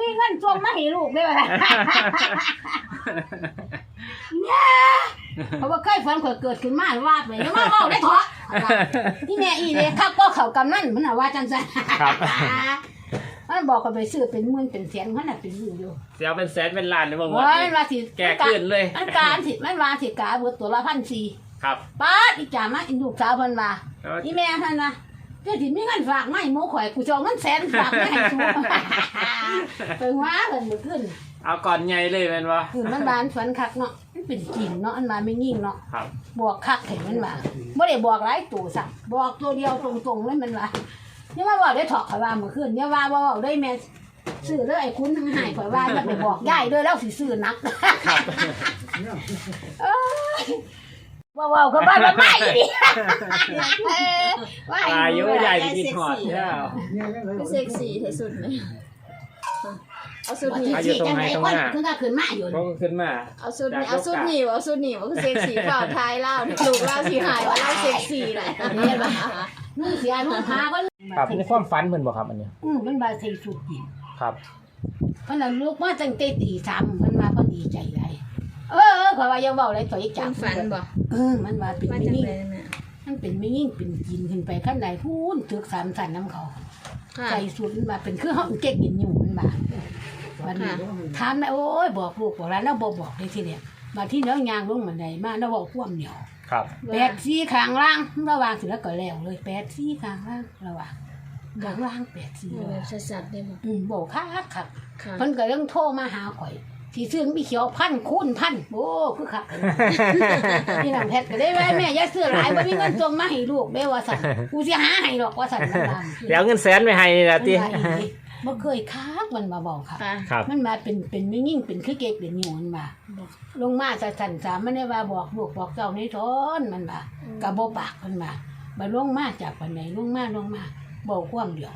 มีเงินส่งมาให้ลูกได้บ่ล่ะเนี่ยเพราะว่าเคยฝันข่อยเกิดขึ้นมาว่าไปแล้วมาเว้าได้เถาะที่แม่อีเด้คักก็เข้ากำนั่นมันน่ะว่าจังซั่นครับมันบอกก็ไปซื้อเป็นหมื่นเป็นแสนมันน่ะเป็นอยู่เสียเป็นแสนเป็นล้านเลยบ่หมดมันว่าสิแก่ขึ้นเลยมันการสิมันว่าสิกาเบิดตัวละ 1,400 ครับป๊าดอีจ่ามาอีลูกสาวเพิ่นว่าอีแม่เพิ่นว่าเจ้าสิมีเงินฝากมาให้หมู่ข่อยกูจะเอาเงินแสนฝากมาให้กูเพิ่นว่าเพิ่นบ่ขึ้นเอาก่อนใหญ่เลยแม่นบ่คือมันบานฝันคักเนาะมันเป็นจริงเนาะอันมาไม่ยิ่งเนาะครับบอกคักเห็นมันว่าบ่ได้บอกหลายตัวซ้ํบอกตัวเดียวตรงๆเลยมันว่าอย่ามาบอกได้ถอกข่อยว่าเมื่อคืนอย่าว่าเว้าได้แม่ซื้อเด้อไอ้คุณทั้งหายข่อยว่าอย่าไปบอกยายเด้อแล้วสิซื้อนักครับว้าวๆก็บ้านมันไม่ดิว่าอายุใหญ่กินหอดแล้วเซ็กซี่ที่สุดเลยเอาสุดนี้อายุตรงไหนตรงหน้าขึ้นก็ขึ้นมาอยู่ก็ขึ้นมาเอาสุดนี้เอาสุดนี้เอาสุดนี้ว่าคือเซ็กซี่เปล่าทายเล่าลูกเล่าสิหายว่าเล่าเซ็กซี่แหละเห็นป่ะนุ่งเสียนุ่งผ้าก็ครับในความฝันเพิ่นบ่ครับอันนี้มันบาใส่สุดกินครับเพิ่นลูกมาตั้งแต่ตี 3เพิ่นมาเพิ่นดีใจหลายข่อยว่าอย่าเว้าอะไรต่ออีกจังฝันบ่มันว่าเป็นไม่ยิ่งมันเป็นไม่ยิ่งเป็นกินขึ้นไปขั้นใดพูนถึก3สั่นน้ำเขาใส่สุดมันว่าเป็นคือเฮาเก๊กกินอยู่มันว่าวันนี้ถามได้โอ้ยบอกลูกบอกหลานแล้วบ่บอกได้ทีเดียวมาที่เนื้อยางลงบันไดมาแล้วเว้าความเหนียวครับ 84ข้างล่างระหว่างสิแล้วก็แล้วเลย84ข้างล่างระหว่างข้างล่าง84 แบบสัดๆได้บ่บ่คักเพิ่นก็เรื่องโทรมาหาข่อยสิซื้อมีเขียว1,000 คูณ 1,000โอ้คือคักนี่น้ำเพชรก็ได้ไว้แม่อย่าซื้อหลายบ่มีเงินส่งมาให้ลูกเด้ว่าซั่นกูสิหาให้ดอกว่าซั่นแล้วเงินแสนไปให้ล่ะติบ่เคยคักมันมาบอกค่ะมันมาเป็นไม่ยิ่งเป็นคือเก๊กเป็นอยู่มันมาลงมาสั่นๆ3มันได้ว่าบอกลูกบอกเจ้าในทนมันว่าก็บ่ปากเพิ่นว่าบ่ลงมาจากปานใดลงมาบอกความเดียว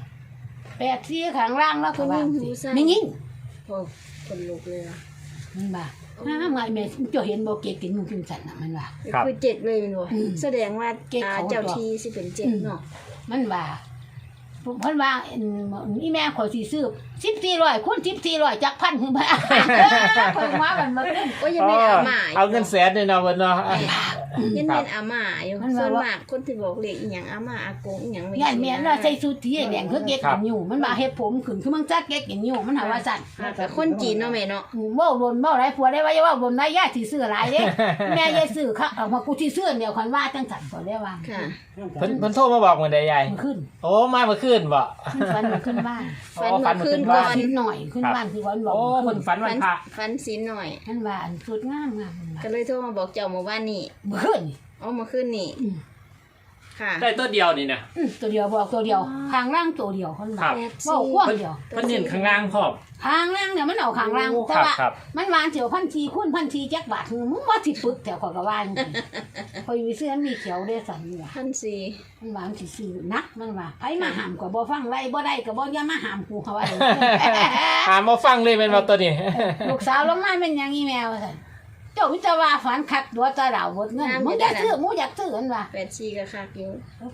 84ข้างล่างแล้วก็ว่าไม่ยิ่งโอ้คนลุกเลยมันว่าน้าไงแม่เจ้าเห็นบ่เก๊กกินอยู่จังซั่นน่ะมันว่าคือ7เลยแม่นบ่แสดงว่าเจ้าที่สิเป็น7เนาะมันว่าเพิ่นว่าอีแม่ข่อยสิซื้อ1400คูณ1400จัก1,000คือบ่เพิ่นว่ามันบ่ขึ้นโอ้ยยังไม่อาม่าเอาเงินแสนนี่เนาะเพิ่นเนาะยังเป็นอาม่าอยู่ส่วนมากคนที่บอกเลขอีหยังอาม่าอากงอีหยังยายแม่น่ะใส่ชุดที่แดงคือเก๊กกินอยู่มันว่าเฮ็ดผมขึ้นคือมันจักเก๊กกินอยู่มันหาว่าซั่นแต่คนจีนเนาะแม่เนาะเว้าโดนเว้าหลายผัวได้ว่าอย่าเว้าโดนได้ยายสิซื้อหลายเด้แม่ยายซื้อค่ะเอามากูสิซื้อเดียวคันว่าจังซั่นก็ได้ว่าค่ะเพิ่นโทรมาบอกมื้อใดยายขึ้นโอ้มาเมื่อคืนบ่ฝันมาขึ้นบ้านฝันขึ้นก่อนนิดหน่อยขึ้นบ้านคือวันบอกโอ้เพิ่นฝันวันพระฝันศีลหน่อยท่านว่าอันสุดงามก็เลยโทรมาบอกเจ้าเมื่อวานนี้เมื่อคืนอ๋อเมื่อคืนนี้ค่ะได้ตัวเดียวนี่นะตัวเดียวบอกตัวเดียวข้างล่างตัวเดียวคนบอกบอกกว้างเดียวเพิ่นเน้นข้างล่างพร้อมข้างล่างเนี่ยมันเอาข้างล่างแต่ว่ามันวางเสียว1,400คูณ1,400จักบาทมึงว่าสิปึกแต่ข่อยก็ว่าจังซี่ข่อยมีเสื้อมีเขียวได้สั่นว่า 1,400 มันวางสิซื้อนักมันว่าไผมาห้ามก็บ่ฟังไล่บ่ได้ก็บ่อย่ามาห้ามกูเขาว่าห้ามบ่ฟังเลยแม่นบ่ตัวนี้ลูกสาวลงมาเป็นหยังอีแมวซั่นเจ้าวิจารณ์ฝันคักตัวตาดาวหมดเงินมึงอยากซื้อมึงอยากซื้ออันว่า 84ก็คักอยู่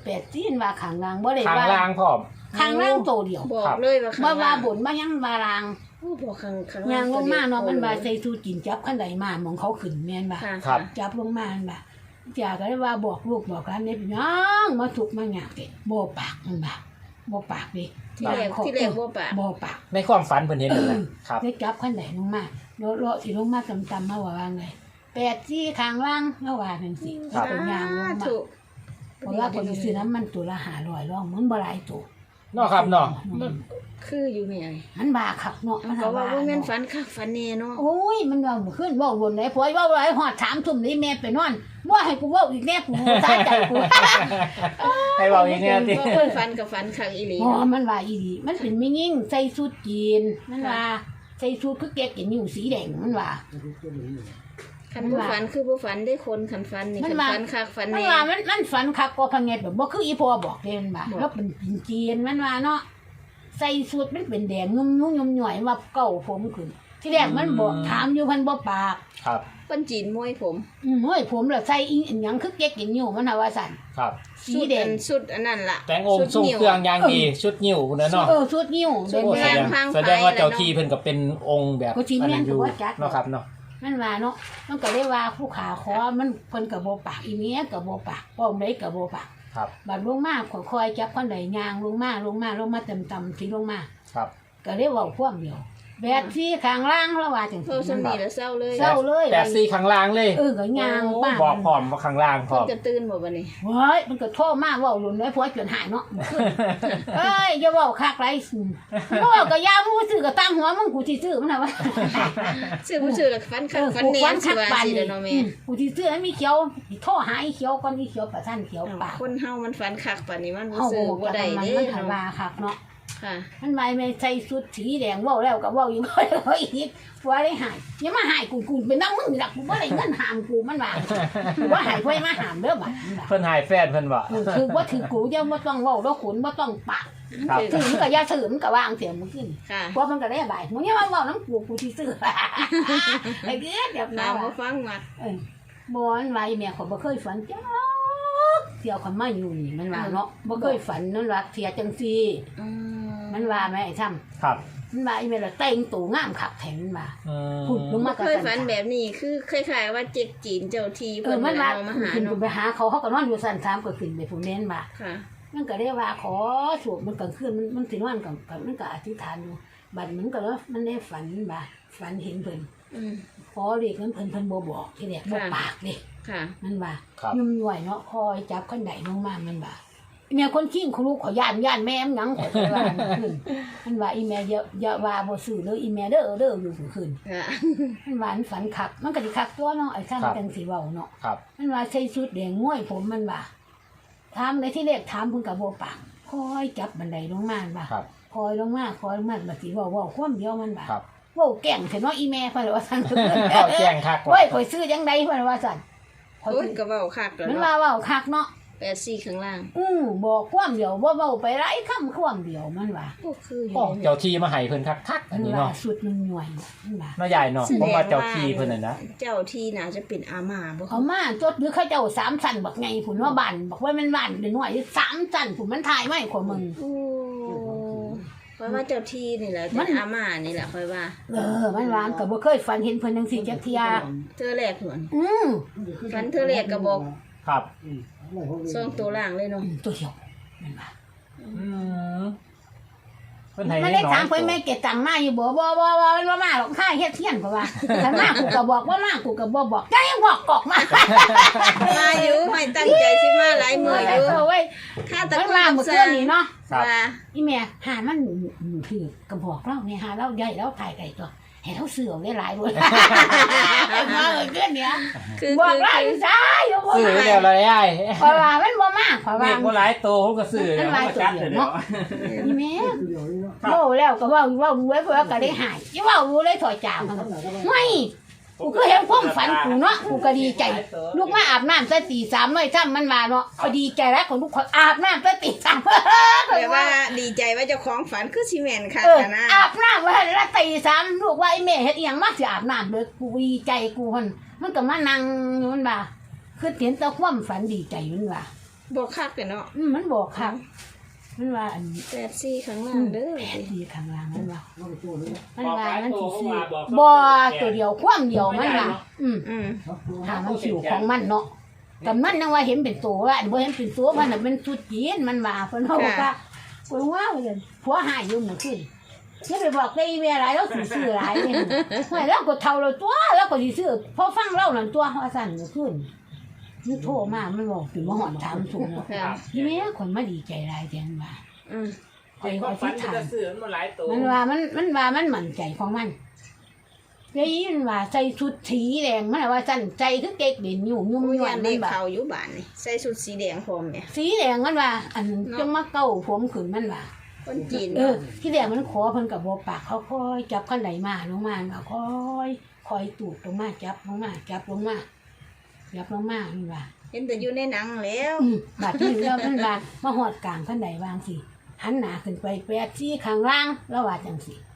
84ว่าข้างล่างบ่ได้ว่าข้างล่างพร้อมข้างล่างตัวเดียวบอกเลยว่าบ่ว่าบุญบ่ยังว่าล่างบอกข้างย่างลงมาเนาะมันว่าใส่สูกินจับคันใดมามองเขาขึ้นแม่นบ่จับลงมาอันบ่จ้าก็เลยว่าบอกลูกบอกหลานนี่เป็นหยังมาทุกข์มายากเด้บ่ปากมันบ่บ่ปากดิที่แรกบ่ปากในความฝันเพิ่นเห็นนั่นแหละครับได้จับคันใดลงมาเลาะสิลงมาตำๆมาว่าไง84ข้างล่างเฮาว่าจังซี่เป็นยางลงมาเพราะว่าคนซื้อน้ำมันตัวละ500ร้องมันบ่หลายตัวเนาะครับเนาะคืออยู่แม่มันบาคักเนาะมันก็ว่าบ่แม่นฝันคักฝันแน่เนาะโอ้ยมันว่ามื้อคืนเว้าบนไหนผัวเว้าหลายฮอด3 ทุ่มนี่แม่ไปนอนบ่ให้กูเว้าอีกแน่กูตายใจกูให้เว้าอีกแน่ติเพิ่นฝันก็ฝันคักอีหลีอ๋อมันว่าอีหลีมันเป็นไม่ยิ่งใส่ชุดจีนมันว่าใส่ชุดคือเก๊กกินอยู่สีแดงมันว่าคันบ่ฝันคือบ่ฝันได้คนคันฝันนี่คันฝันคักฝันแน่มันว่ามันฝันคักกว่าพังเง็ดแบบบ่คืออีพ่อบอกเด้มันว่าแล้วเป็นจีนมันว่าเนาะใส่ชุดมันเป็นแดงงุ่มๆหย่อยว่าเก่าผมขึ้นที่แรกมันบอกถามอยู่เพิ่นบ่ปากครับเปิ้นจีนมวยผมเฮ้ยผมแล้วใส่อีหยังคือเก๊กกินอยู่มันน่ะว่าซั่นครับสีแดงสุดอันนั้นล่ะแต่งองค์ทรงเครื่องอย่างดีชุดนิ้วพุ่นน่ะเนาะชุดนิ้วชุดโอ้แดงแสดงว่าเจ้าที่เพิ่นก็เป็นองค์แบบก็สิแม่นก็บ่จักเนาะครับเนาะมันว่าเนาะมันก็ได้ว่าผู้ขาขอมันเพิ่นก็บ่ปากอีเมียก็บ่ปากป้อมใดก็บ่ปากครับบัดลงมาค่อยๆจับคนใดย่างลงมาต่ำๆสิลงมาครับก็ได้เว้าความเดียวแบบที่ข้างล่างแล้วว่าจังเพิ่นซี่สำนีแล้วเศร้าเลยเศร้าเลยแต่ซีข้างล่างเลยก็ย่างป้าบอกพร้อมว่าข้างล่างพร้เพิ่อน มจะตื่นบ่บัดนี้เฮ้ยมันก็โทรมาเว้าหลุนไว้ผัวจนหายเนาะเอ้ยอย่าเว้าคักไรสิเว้าก็ยามูซื้อก็ตั้งหัวมึงกูสิซื้อมันน่ะว่าซื้อบ่ซื้อแล้วฟันคักฟันแน่สิว่าสิเด้อเนาะแม่กูสิซื้อให้มีเขียวโทรหาอีเขียวก่อนอีเขียวประทันเขียวปากคนเฮามันฟันคักปานนี้มันบ่เฮาซื้อบ่บ่ได้ได้เด้มันหันว่าคักเนาะค่ะมันไม่ใส่ชุดสีแดงเว้าแล้วก็เว้าอยู่บ่ได้อีกผัวได้หายอย่ามาหายกูเป็นน้องมึงนี่ล่ะกูบ่ได้เงินหามกูมันว่ากูว่าหายไว้มาหามเด้อบัดมันว่าเพิ่นหายแฟนเพิ่นบ่คือว่าถือกูจะบ่ต้องเว้าแล้วขุนบ่ต้องปากครับถือมันก็อย่าถือมันก็วางเสียงมันขึ้นค่ะเพราะมันก็ได้บายมึงอย่ามาเว้าน้ำกูสิซื้อไอ้เด้อเดี๋ยวน้านะบ่ฟังมักบ่อันว่าอีแม่ขอยบ่เคยฝันจ้าเที่ยวคนมาอยู่นี่มันว่าเนาะบ่เคยฝันนั่นว่าเที่ยจังซี่อืมมันว่าแม่ไอ้ซ้ำครับมันว่าอีแม่ละแต่งตัวงามคักแท้มันว่าอืมพูดลงมาบ่เคยฝันแบบนี้คือคล้ายๆว่าเจ๊กจีนเจ้าที่เอเพิ่อน มันว่าเอามาหาขึ้นเนาะไปหาเขาก็นอนอยู่สั่น3ก็ขึ้นไปผมเน้นว่าค่ะมันก็ได้ว่าขอสวดมันกลางคืนมันสินอนกับมันก็อธิษฐานอยู่บัดมันก็ว่ามันได้ฝันบ่าฝันเห็นเพิ่นอืมขอเรียกนั้นเพิ่นบ่บอกที่แรกบ่ปากเด้ค่ะมันว่าครับยุ่มย่อยเนาะคอยจับคนใดลงมามันว่าแม่คนขี้งเขาลูกขอย่านแม่มหยังขอไปว่ามันว่าอีแม่อย่าว่าบ่ซื้อเลยอีแม่เด้ออยู่คืนค่ะมันว่าฝันคักมันก็สิคักตัวเนาะไอ้ซั่นจังสิเว้าเนาะครับมันว่าใส่ชุดแดงง่วยผมมันว่าถามในที่แรกถามเพิ่นก็บ่ปากคอยจับบันไดลงมาว่าครับคอยลงมาบัดสิเว้าความเดียวมันว่าครับเว้าแก่งเถอะเนาะอีแม่เพิ่นว่าซั่นเข้าแจ้งคักโอ้ยข่อยซื้อจังไดเพิ่นว่าซั่นข่อยโอ้ยซื้อก็เว้าคักแล้วมันเนาะว่าเว้าคักเนาะ 84ข้างล่างบอกความเดียวบ่เว้าไปหลายคำความเดียวมันว่าโอ้คืออยู่โอ้เจ้าที่มาให้เพิ่นคักๆอันนี้ว่าเนาะสุดมันหน่วยมันว่าน้าใหญ่เนาะผมว่าเจ้าที่เพิ่นน่ะนะเจ้าที่น่าจะเป็นอาม่าบ่เอามาจดหรือเขาเจ้า3ชั้นบักไงพุ่นว่าบ้านบอกว่ามันบ้านเป็นหน่วย3ชั้นพุ่นมันถ่ายไว้กว่ามึงโอ้เพราะว่าเจ้าที่นี่แหละมัเป็น นอาม่านี่แหละค่อยว่ามันวางก็บ่เคยฝันเห็นเพิ่นจังซี่จักเที่ยเธอแรกหวนอือฝันเธอแรกก็บอกครับส่งตัวล่างเลยเนาะตัวเดียวมันว่าอืมเพิ่นให้มันน้ได้อยถามเพิ่นแม่เก็บตังค์มาอยู่บ่มันว่ามาหรอกค่าเฮ็ดเที่ยนเพราะว่าถ้ามากูก็บอกว่ามากูก็บ่บอกใจบอกกอกมามาอยู่ไม่ตั้งใจสิมาหลายมื้ออยู่เว้ยถ้าตะมันกุมาเมื่อคืนนี้เนาะว่าอีแม่หามันถือกระบอกเราเนี่ยหาเราใหญ่แล้วถ่ายไก่ตัวให้เราเสือได้หลายด้วยมาเมื่อคืนเนี้ยคือบอกคือเราคือจ้าอยู่บ่ซื้อมาแล้วเลยไอ้เพราะว่ามันบ่มาเพราะเด็ว่ากบ่หลายโตผมก็ซื้อมันหลายผมตัวก็จัดเดียวเดี๋ยวเนาะอีแม่เว้าแล้วก็เว้ารู้ไว้เพื่อก็ได้หายอย่าเว้ารู้เลยถอยจามไม่กูก็เห็นความฝันกูเนาะกูก็ดีใจลูกมาอาบน้ำซะตี3เลยถ้ามันมาเนาะก็ดีใจแล้วของลูกคนอาบน้ำซะตี3 แต่ว่าดีใจว่าเจ้าของฝันคือสิแม่นค่ะนะอาบน้ำไว้แล้วตี3ลูกว่าไอ้แม่เฮ็ดอีหยังมาสิอาบน้ำเด้อกูดีใจกูมันก็มานั่งอยู่มันว่าคือเห็นแต่ความฝันดีใจมันว่าบอกคักกันเนาะมันบอกครับมันว่าอัน 84ข้างล่างเด้อแผนดีข้างล่างมันว่ามันว่าบอกหลายมันโตสิผมซื้อว่าบอกบ่ตัวเดียวความเดียวมันว่าอืมถ้ามันสิวของมันเนาะแต่มันยังว่าเห็นเป็นตัวว่าบ่เห็นเป็นตัวมันน่ะเป็นสุดจีนมันว่าเพิ่นเฮาว่าเพิ่นว่าเลยผัวหายอยู่เมื่อคืนอย่าไปบอกได้แม่หลายแล้วสิซื้อหลายนี่ไม่แล้วก็เท่าเราตัวแล้วก็สิซื้อพอฟังเล่านั่นตัวว่าซั่นเมื่อคืนมันโทรมามันบอกสิมาฮอดถามสูงค่ะทีนี้คนมาดีใจหลายจังว่าอืมคอยอธิษฐานซื้อมันบ่หลายโตมันว่ามันมั่นใจของมันได้ยินว่าใส่ชุดสีแดงมันว่าสั่นใจคือเก๊กเด่นอยู่ยุ่มผู้ย่อยยันมัได้นแบบเขาอยู่บ้านนี่ใส่ชุดสีแดงพร้อมแม่สีแดงมันว่า อันจังมาเก้าผมขึ้นมันว่าคนจีนที่แดงมันขอเพิ่นกับบ่ปากเขาค่อยจับขั้นไหนมาลงมาก็ค่อยตูดลงมาจับลงมาจับลงมามันว่าเห็นแต่อยู่ในหนังแล้วบาดที่แล้วมันว่ามาหอดกลางขั้นไหนวางสิหันหน้าขึ้นไปแปดซี่ข้างล่างแล้วว่าจังสิ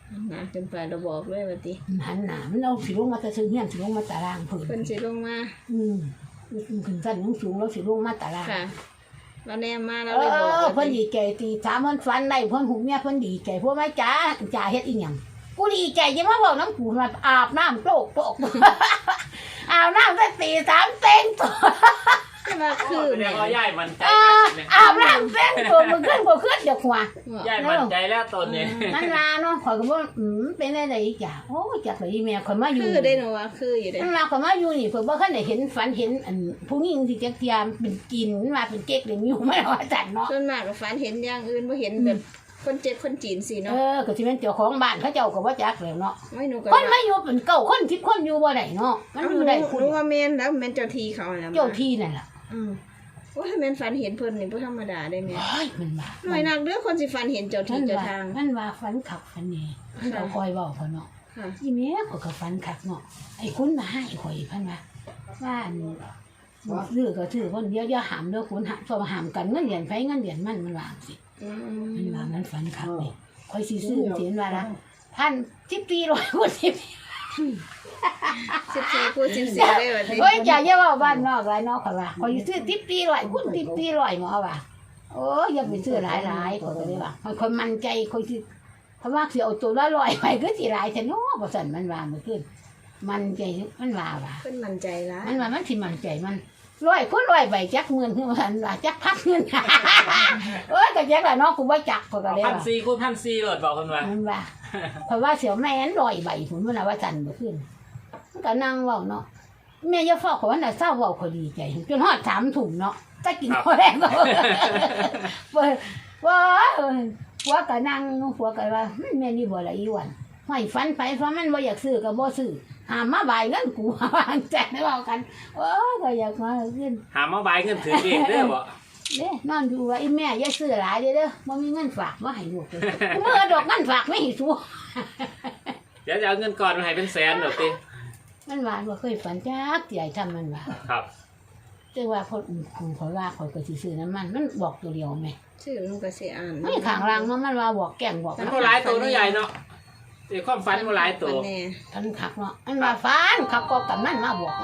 มาขึ้นไปเราบอกเลยว่าติหันหน้ามันเอาสิลงมาแต่ซึ่งเฮียนสิลงมาตารางเพิ่นเพิ่นสิลงมาขึ้นสั้นสูงแล้วสิลงมาตารางค่ะเราแนมมาเราเลยบอกเพิ่นดีใจตีถามเพิ่นฝันได้เพิ่นหูเมียเพิ่นดีใจพวกแม่จ๋าเฮ็ดอีหยังกูดีใจจะมาบอกน้ำกูมาอาบน้ำโตก อาบน้ำตั้งตีสามเต็งตัวจะมาคือเรียกว่าย่ายมันใจอาบน้ำเต็งตัวมึงขึ้นบ่ขึ้นเดี๋ยวหัวย่ายมันใจแล้วตนนี้นั่นล่ะเนาะข่อยก็บ่เป็นได้อีกจ้ะโอ้จักเลยแม่ข่อยมาอยู่คือได้หนูว่าคืออยู่ได้นั่นล่ะข่อยมาอยู่นี่เพิ่นบ่คันได้เห็นฝันเห็นอันผู้หญิงที่จักเทียมเป็นกินมาเป็นเก๊กเลยอยู่มาว่าจันเนาะส่วนมากก็ฝันเห็นอย่างอื่นบ่เห็นแบบคนเจ็บคนจีนสิเนาะก็สิเป็นเจ้าของบ้านเขาเจ้าก็บ่จักแล้วเนาะไม่หนูก็คนมาอยู่เป็นเก่าคน10คนอยู่บ่ได้เนาะมันอยู่ได้หคุณนูว่าแม่นแล้วแม่นเจ้าที่เขาแหละเจ้าที่นั่นล่ะว่าถ้าแม่นฝันเห็นเพิ่นนี่บ่ธรรมดาได้แม่เฮ้ยมันว่าหน่อยนักเด้อคนสิฝันเห็นเจ้าที่เจ้าทางมันว่าฝันขับฝันนี่มันก็คอยเว้าเขาเนาะค่ะอีแม่ข่อยก็ฝันขับเนาะไอ้คุณมาให้ข่อยพันว่าอันซื้อก็ซื้อคนเดียวหามเด้อคุณหามตัวหามกันเงินเหรียญไผเงินเหรียญมันว่าสิมันว่ามันฝันขับนี่ข่อยสิซื้อสิว่าละ1,000 คน 14พูด14ได้ว่าโอ้ยอย่าว่าบ้านนอกหลายนอกข่อยว่าข่อยสิซื้อ1,000คุณ1,000หมอว่าโอ้ยอย่าไปซื้อหลายข่อยก็เลยว่าข่อยมั่นใจข่อยสิเพราะว่าสิเอาตัวละ100ไปก็สิหลายแต่เนาะบ่ซั่นมันว่ามื้อคืนมันใจมันว่าเพิ่นมั่นใจละมันสิมั่นใจมัน100 ใบจักเงินคือมันว่าจักพักเงินโอ้ยก็จักละเนาะกูบ่จักก็เลยว่า 1,400 คูณ 1,400โหลดบอกคนว่ามันว่าเพราะว่าเสียวแม่น100 ใบพุ่นมันว่าซั่นบ่ขึ้นมันก็นั่งเว้าเนาะแม่อย่าฟ้าขอว่าน่ะเศร้าเว้าขอดีใจจนฮอด3 ทุ่มเนาะจะกินข้าวแรงก็ว่าก็นั่งหัวก็ว่าแม่นี่บ่ละอีวันห้อยฟันไปเพราะมันบ่อยากซื้อก็บ่ซื้อหามมาบายเงินกูวางแจกได้เว้ากันโอ้ยก็อยากมาขึ้นหามาบายเงินถือเองเด้อบ่เด้นอนอยู่ว่าอีแม่อย่าซื้อหลายเด้อบ่มีเงินฝากบ่ให้ลูกเลยเมื่อดอกเงินฝากไม่ให้สู้เดี๋ยวจะเอาเงินก่อนมาให้เป็นแสนดอกติมันว่าบ่เคยฝันจักใหญ่ทำมันว่าครับแต่ว่าคนขอยว่าขอยก็สิซื้อน้ำมันบอกตัวเดียวแม่ชื่อหนูก็สิอ่านไม่ข้างล่างมันว่าบอกแกล้งบอกมันบ่หลายตัวเนาะใหญ่เนาะสิความฝันบ่หลายตัวแน่ทันขับเนาะมันว่าฟันขับก็กับมันมาบอกมัน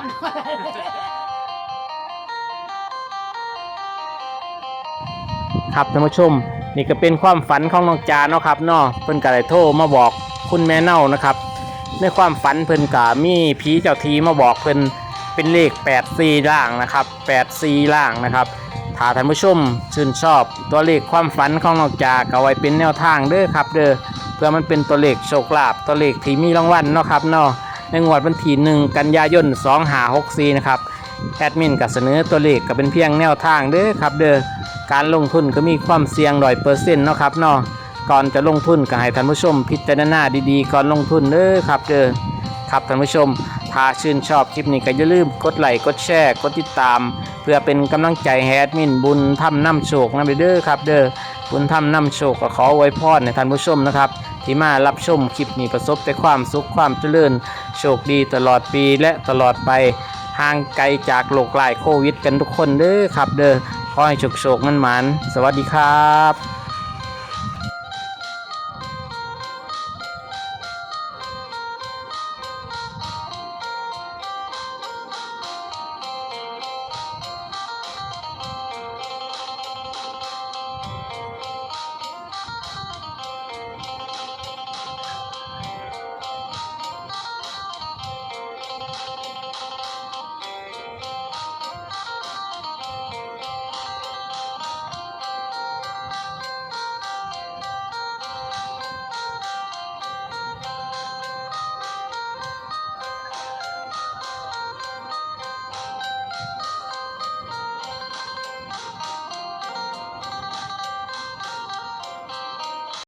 ครับท่านผู้ชมนี่ก็เป็นความฝันของน้องจาเนาะครับเนาะเพิ่นก็ได้โทรมาบอกคุณแม่เน่านะครับในความฝันเพิ่นก็มีผีเจ้าทีมาบอกเพิ่นเป็นเลข84ล่างนะครับ84ล่างนะครับถ้าท่านผู้ชมชื่นชอบตัวเลขความฝันของน้องจาก็ไว้เป็นแนวทางเด้อครับเด้อเพื่อมันเป็นตัวเลขโชคลาภตัวเลขที่มีรางวัลเนาะครับเนาะในงวดวันที่1 กันยายน 2564นะครับแอดมินก็เสนอตัวเลขก็เป็นเพียงแนวทางเด้อครับเด้อการลงทุนก็มีความเสี่ยง100%เนาะครับเนาะก่อนจะลงทุนก็ให้ท่านผู้ชมพิจารณาดีๆก่อนลงทุนเด้อครับเด้อครับท่านผู้ชมถ้าชื่นชอบคลิปนี้ก็อย่าลืมกดไลค์กดแชร์กดติดตามเพื่อเป็นกำลังใจให้แอดมินบุญทำนำโชคนะเด้อครับเด้อบุญทำนำโชคก็ขออวยพรให้ท่านผู้ชมนะครับที่มารับชมคลิปนี้ประสบแต่ความสุขความเจริญโชคดีตลอดปีและตลอดไปห่างไกลจากโรคร้ายโควิดกันทุกคนเด้อครับเด้อขอให้โชคมันหมานสวัสดีครับ